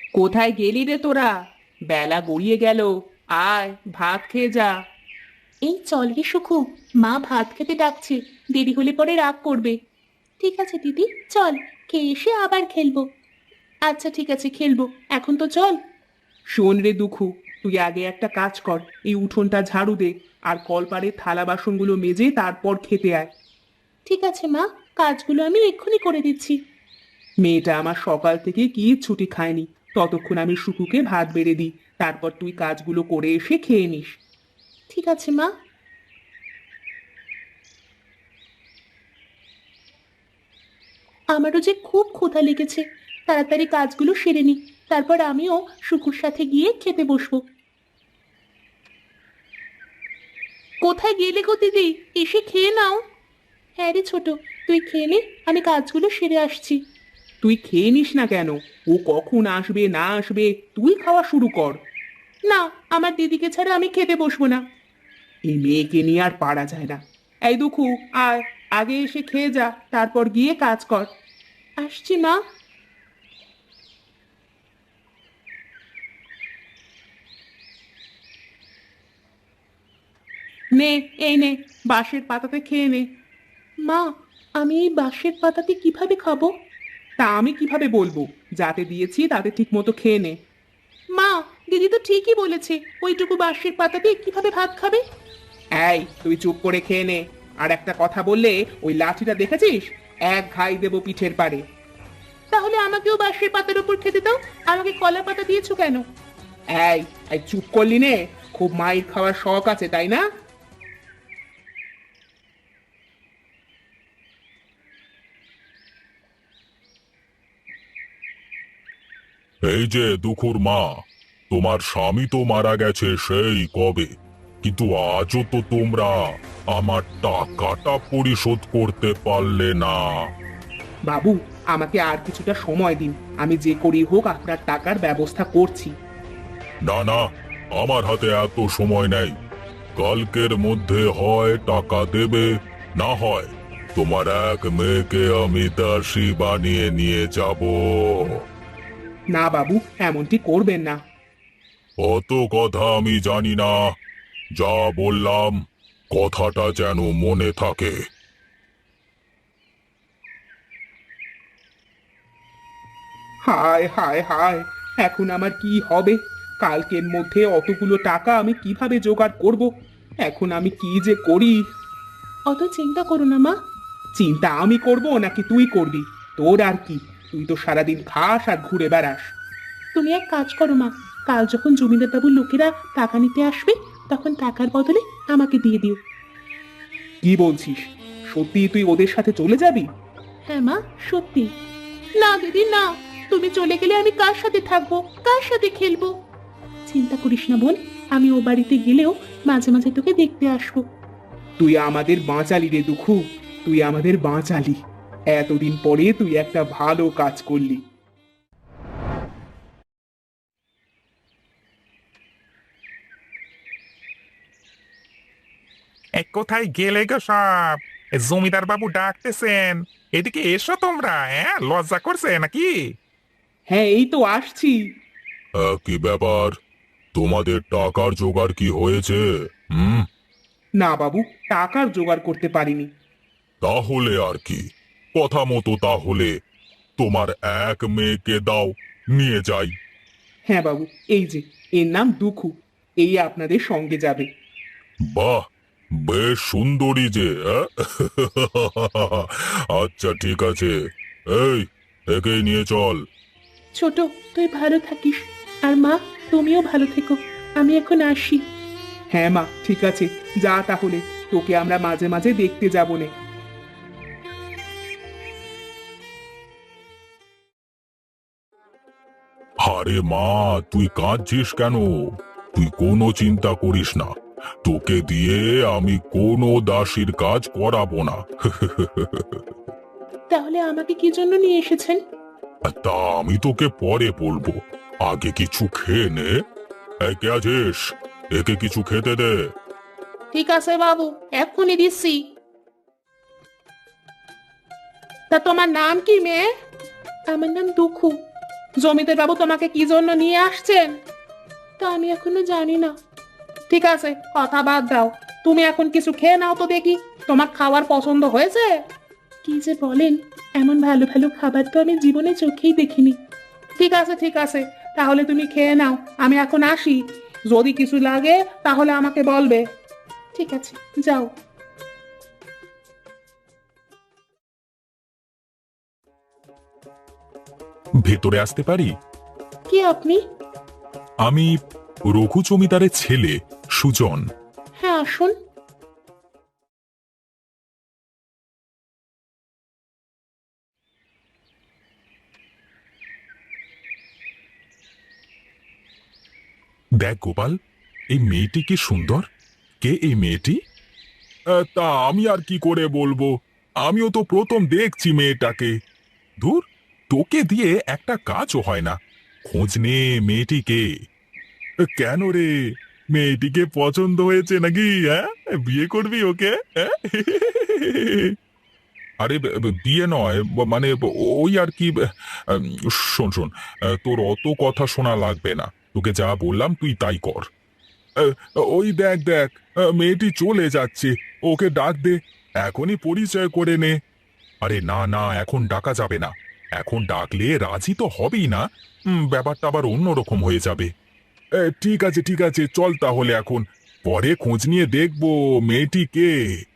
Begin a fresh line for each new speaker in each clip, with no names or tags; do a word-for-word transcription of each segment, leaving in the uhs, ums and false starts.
কোথায় গেলি রে তোরা? বেলা গড়িয়ে গেল। আয় ভাত খেয়ে যা। এই চল রে সুখু, মা ভাত খেতে ডাকছে, দেরি হলে পরে রাগ করবে। ঠিক আছে দিদি, চল, খেয়ে এসে আবার খেলবো। আচ্ছা ঠিক আছে, খেলবো, এখন তো চল। শোন রে দুখু, তুই আগে একটা কাজ কর, এই উঠোনটা ঝাড়ু দে, আর কলপাড়ে থালা বাসনগুলো মেজে তারপর খেতে আয়। ঠিক আছে মা, কাজগুলো আমি এক্ষুনি করে দিচ্ছি। মেয়েটা আমার সকাল থেকে কি ছুটি খায়নি, ততক্ষণ আমি সুকুকে ভাত বেড়ে দিই, তারপর তুই কাজগুলো করে এসে খেয়ে নিস। ঠিক আছে মা। আমারও যে খুব ক্ষুধা লেগেছে, তাড়াতাড়ি কাজগুলো সেরে নি, তারপর আমিও সুকুর সাথে গিয়ে খেতে বসবো। কোথায় গেলে গো দিদি? এসে খেয়ে নাও। হ্যাঁ রে ছোট, তুই খেয়ে নে, আমি কাজগুলো সেরে আসছি। তুই খেয়ে নিস না কেন? ও কখন আসবে না আসবে, তুই খাওয়া শুরু কর। না, আমার দিদিকে ছাড়া আমি খেতে বসবো না। এই মেয়েকে নিয়ে আর পারা যায় না। এই দুখু, আয়, আগে এসে খেয়ে যা, তারপর গিয়ে কাজ কর। আসছি মা। নে, এই নে, বাঁশের পাতাতে খেয়ে নে। মা, আমি এই বাঁশের পাতাতে কিভাবে খাবো? তা আমি কিভাবে বলবো? যাতে দিয়েছি তাতে ঠিক মতো খেয়ে নে। মা, দিদি তো ঠিকই বলেছে, ওইটুকু বাঁশের পাতাতে কিভাবে ভাত খাবে? এই তুই চুপ করে খেয়ে নে। আর একটা কথা বললে, ওই লাঠিটা দেখেছিস? এক ঘাই দেবো পিঠের পারে। তাহলে আমাকেও বাঁশের পাতার উপর খেতে দাও, আমাকে কলা পাতা দিয়েছো কেন? এই এই চুপ করলি নে? খুব মাইর খাওয়ার শখ আছে তাই না?
এই যে দুখুর মা, তোমার স্বামী তো মারা গেছে সেই কবে, কিন্তু আজও তো তোমরা আমার টাকাটা পরিশোধ করতে পারলে না।
বাবু, আমাকে আর কিছুটা সময় দিন, আমি যে করি হোক আপনার টাকার ব্যবস্থা করছি।
না না, আমার হাতে এত সময় নেই। কালকের মধ্যে হয় টাকা দেবে, না হয় তোমার এক মেয়েকে আমি দাসী বানিয়ে নিয়ে যাব।
না বাবু, এমনটি করবেন না।
অত কথা আমি জানি না, যা বললাম কথাটা যেন মনে থাকে।
হায় হায় হায়, এখন আমার কি হবে? কালকের মধ্যে অতগুলো টাকা আমি কিভাবে জোগাড় করব? এখন আমি কি যে করি! অত চিন্তা করো না মা। চিন্তা আমি করব নাকি তুই করবি? তোর আর কি, তুই তো সারাদিন খাস আর ঘুরে বেড়াস। তুমি এক কাজ করো মা, কাল যখন জমিদার বাবুর লোকেরা টাকা নিতে আসবে, তখন টাকার বদলে আমাকে দিয়ে দিও। কি বলছিস? সত্যি তুই ওদের সাথে চলে যাবি? হ্যাঁ মা, সত্যি। না দিদি না, তুমি চলে গেলে আমি কার সাথে থাকবো, কার সাথে খেলবো? চিন্তা করিস না বোন, আমি ও বাড়িতে গেলেও মাঝে মাঝে তোকে দেখতে আসবো। তুই আমাদের বাঁচালি রে দুখু, তুই আমাদের বাঁচালি। এতদিন পরে তুই একটা ভালো কাজ করলি।
এ কোথায় গেলে গো সব? এ জমিদার বাবু ডাকতেছেন, এদিকে এসো তোমরা। হ্যাঁ, লজ্জা করছে নাকি?
হ্যাঁ, এই তো আসছি।
আহ, কি ব্যাপার, তোমাদের টাকার জোগাড় কি হয়েছে? হুম।
না বাবু, টাকার জোগাড় করতে পারিনি।
তাহলে আর কি, কথা মতো তাহলে তোমার এক মেয়েকে দাও, নিয়ে যাই।
হ্যাঁ বাবু, এই যে, এর নাম দুখু, এই আপনাদের সঙ্গে যাবে।
বাহ, বেশ সুন্দরী যে, আহ? আচ্ছা ঠিক আছে, এই, একেই নিয়ে চল।
ছোট, তুই ভালো থাকিস, আর মা, তুমিও ভালো থেকো। আমি এখন আসি। হ্যাঁ মা, ঠিক আছে, যা তাহলে, তোকে আমরা মাঝে মাঝে দেখতে যাবো নে।
আরে মা, তুই কাঁদছিস কেন? তুই কোনো চিন্তা করিস না, তোকে দিয়ে আমি কোনো দাসীর কাজ করাবো না।
তাহলে আমাকে কি জন্য নিয়ে এসেছেন?
তা আমি তোকে পরে বলবো, আগে কিছু খেয়ে নে। এই, কে আছিস? একে কিছু খেতে দে।
ঠিক আছে বাবু, এক্ষুনি দিচ্ছি। তা তোমার নাম কি মেয়ে? আমার নাম দুখু। জমিদার বাবু তোমাকে কি জন্য নিয়ে আসছেন? তা আমি এখনো জানি না। ঠিক আছে, কথা বাদ দাও। তুমি এখন কিছু খেয়ে নাও তো দেখি, তোমার খাবার পছন্দ হয়েছে? কি যে বলেন, এমন ভালো ভালো খাবার তো আমি জীবনে চোখেই দেখিনি। ঠিক আছে ঠিক আছে, তাহলে তুমি খেয়ে নাও, আমি এখন আসি। যদি কিছু লাগে তাহলে আমাকে বলবে। ঠিক আছে, যাও।
ভেতরে আসতে পারি?
কি আপনি?
আমি রঘু জমিদারের ছেলে সুজন।
হ্যাঁ, আসুন।
দেখ গোপাল, এই মেয়েটি কি সুন্দর! কে এই মেয়েটি? আহ, তা আমি আর কি করে বলবো, আমিও তো প্রথম দেখছি মেয়েটাকে। ধুর, তোকে দিয়ে একটা কাজও হয় না। খোঁজ নে মেয়েটি কে। কেন রে, মেয়েটিকে পছন্দ হয়েছে নাকি? হ্যাঁ, বিয়ে করবি ওকে? হ্যাঁ? আরে ব- ব- বিয়ে নয়, ব- মানে ব- ওই আর কি। ব- আম, শোন শোন, আহ, তোর অত কথা শোনা লাগবে না। তোকে যা বললাম তুই তাই কর। আহ, ওই দেখ দেখ, আহ, মেয়েটি চলে যাচ্ছে। ওকে ডাক দে, এখনই পরিচয় করে নে। আরে না না, এখন ডাকা যাবে না। এখন ডাকলে রাজি তো হবেই না। উম, ব্যাপারটা আবার অন্যরকম হয়ে যাবে। এ, ঠিক আছে ঠিক আছে, চল তাহলে এখন। পরে খোঁজ নিয়ে দেখবো মেয়েটি কে।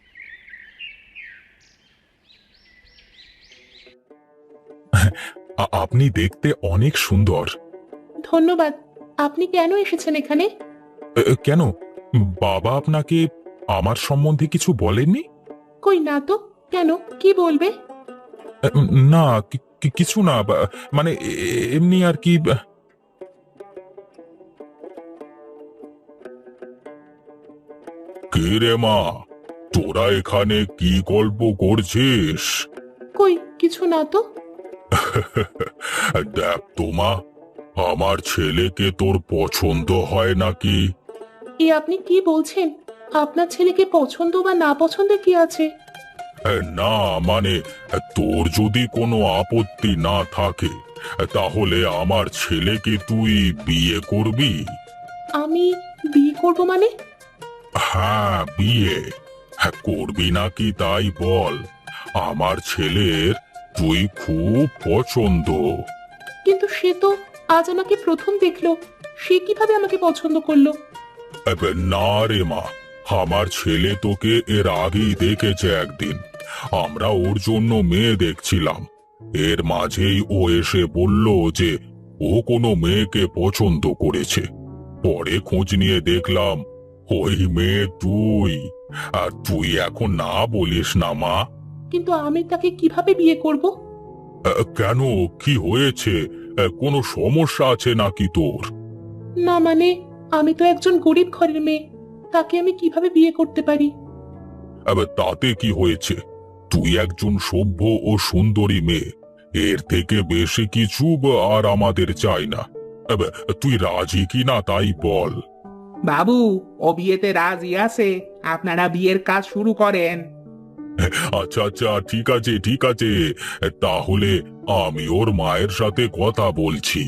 আ- আপনি দেখতে অনেক সুন্দর।
ধন্যবাদ। আপনি কেন এসেছেন এখানে?
এ, এ, কেন, বাবা আপনাকে আমার সম্বন্ধে কিছু বলেননি?
কই না তো। কেন, কি বলবে?
এ, উম, না, কি- কি- কিছু না, বা- মানে এ- এ- এমনি আর কি। বা- কে রে মা, তোরা এখানে কি গল্প করছিস?
কই কিছু না তো।
দেখ তো মা, আমার ছেলেকে তোর পছন্দ হয় নাকি?
এ আপনি কি বলছেন? আপনার ছেলেকে পছন্দ বা না পছন্দ কি আছে?
এ, না মানে, তোর যদি কোনো আপত্তি না থাকে তাহলে আমার ছেলেকে তুই বিয়ে করবি।
আমি বিয়ে করব মানে?
হ্যাঁ, বিয়ে। হ্যাঁ, করবি নাকি তাই বল। আমার ছেলের তুই খুব পছন্দ।
কিন্তু সে তো আজ আমাকে প্রথম দেখলো, সে কিভাবে আমাকে পছন্দ করলো?
এবে, না রে মা, আমার ছেলে তোকে এর আগেই দেখেছে একদিন। আমরা ওর জন্য মেয়ে দেখছিলাম। এর মাঝেই ও এসে বলল যে ও কোনো মেয়েকে পছন্দ করেছে। পরে খোঁজ নিয়ে দেখলাম ওই মেয়ে তুই। আর তুই এখন না বলিস না মা?
কিন্তু আমি তাকে কিভাবে বিয়ে করব?
আহ, কেন, কি হয়েছে? আহ, কোনো সমস্যা আছে নাকি তোর?
না মানে, আমি তো একজন গরিব ঘরের মেয়ে, তাকে আমি কিভাবে বিয়ে করতে পারি?
এবার তাতে কি হয়েছে? তুই একজন সভ্য ও সুন্দরী মেয়ে, এর থেকে বেশি কিছু বা- আর আমাদের চাই না। এবার তুই রাজি কি না তাই বল।
বাবু, ও বিয়েতে রাজি আছে, আপনারা বিয়ের কাজ শুরু করেন।
আচ্ছা আচ্ছা, ঠিক আছে ঠিক আছে, তাহলে আমি ওর মায়ের সাথে কথা বলছি।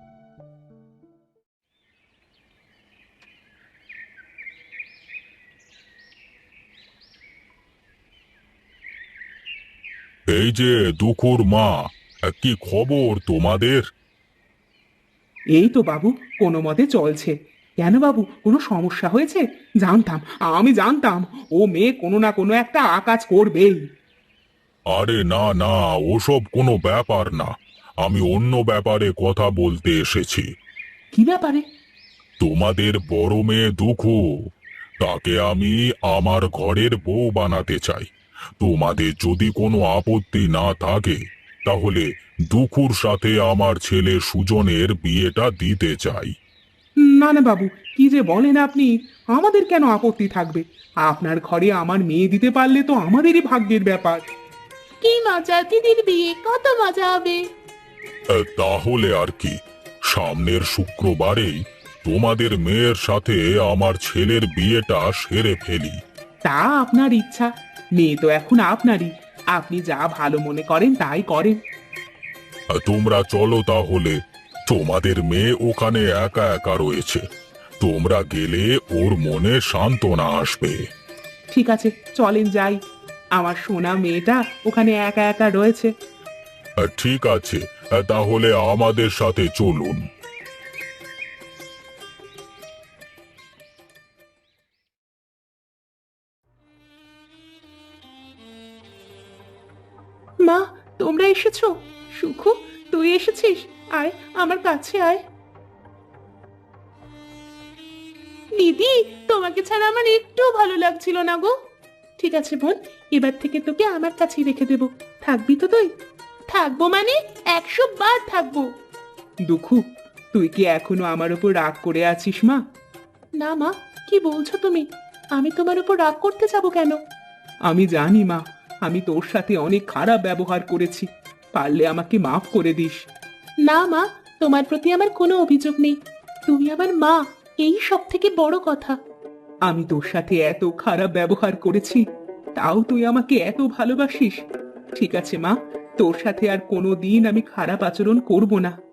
এই যে দুখুর মা, কি খবর তোমাদের?
এই তো বাবু, কোনো মতে চলছে। কেন বাবু, কোনো সমস্যা হয়েছে? জানতাম, আমি জানতাম ও মেয়ে কোনো না কোনো একটা আকাজ করবেই।
আরে না না, ওসব কোনো ব্যাপার না। আমি অন্য ব্যাপারে কথা বলতে এসেছি।
কি ব্যাপারে?
তোমাদের বড় মেয়ে দুখু, তাকে আমি আমার ঘরের বউ বানাতে চাই। তোমাদের যদি কোনো আপত্তি না থাকে তাহলে দুখুর সাথে আমার ছেলে সুজনের বিয়েটা দিতে চাই।
না না বাবু, কি যে বলেন আপনি! আমাদের কেন আপত্তি থাকবে? আপনার ঘরে আমার মেয়ে দিতে পারলে তো আমাদেরই ভাগ্যের ব্যাপার। কি মজা, দিদির বিয়ে কত মজা হবে।
আহ, তাহলে আর কি, সামনের শুক্রবারেই তোমাদের মেয়ের সাথে আমার ছেলের বিয়েটা সেরে ফেলি।
তা আপনার ইচ্ছা, মেয়ে তো এখন আপনারই। আপনি যা ভালো মনে করেন তাই করেন।
আহ, তোমরা চলো তাহলে, তোমাদের মেয়ে ওখানে একা একা রয়েছে, তোমরা গেলে ওর মনে সান্ত্বনা আসবে।
ঠিক আছে, চলেন যাই। আমার সোনা মেয়েটা ওখানে একা একা রয়েছে।
আহ, ঠিক আছে, আহ, তাহলে আমাদের সাথে চলুন।
মা, তোমরা এসেছো? সুখু, তুই এসেছিস? আয়, আমার কাছে আয়। দিদি, তোমাকে ছাড়া আমার একটু ভালো লাগছিল না গো। ঠিক আছে বোন, এবার থেকে তোকে আমার কাছেই রেখে দেব। থাকবি তো তুই? থাকবো মানে একশো বার থাকবো। দুঃখু, তুই কি এখনো আমার উপর রাগ করে আছিস মা? না মা, কি বলছো তুমি? আমি তোমার উপর রাগ করতে যাব কেন? আমি জানি মা, আমি তোর সাথে অনেক খারাপ ব্যবহার করেছি। পারলে আমাকে মাফ করে দিস। না মা, তোমার প্রতি আমার কোনো অভিযোগ নেই। তুমি আমার মা, এই সব থেকে বড় কথা। আমি তোর সাথে এত খারাপ ব্যবহার করেছি, তাও তুই আমাকে এত ভালোবাসিস। ঠিক আছে মা, তোর সাথে আর কোনো দিন আমি খারাপ আচরণ করব না।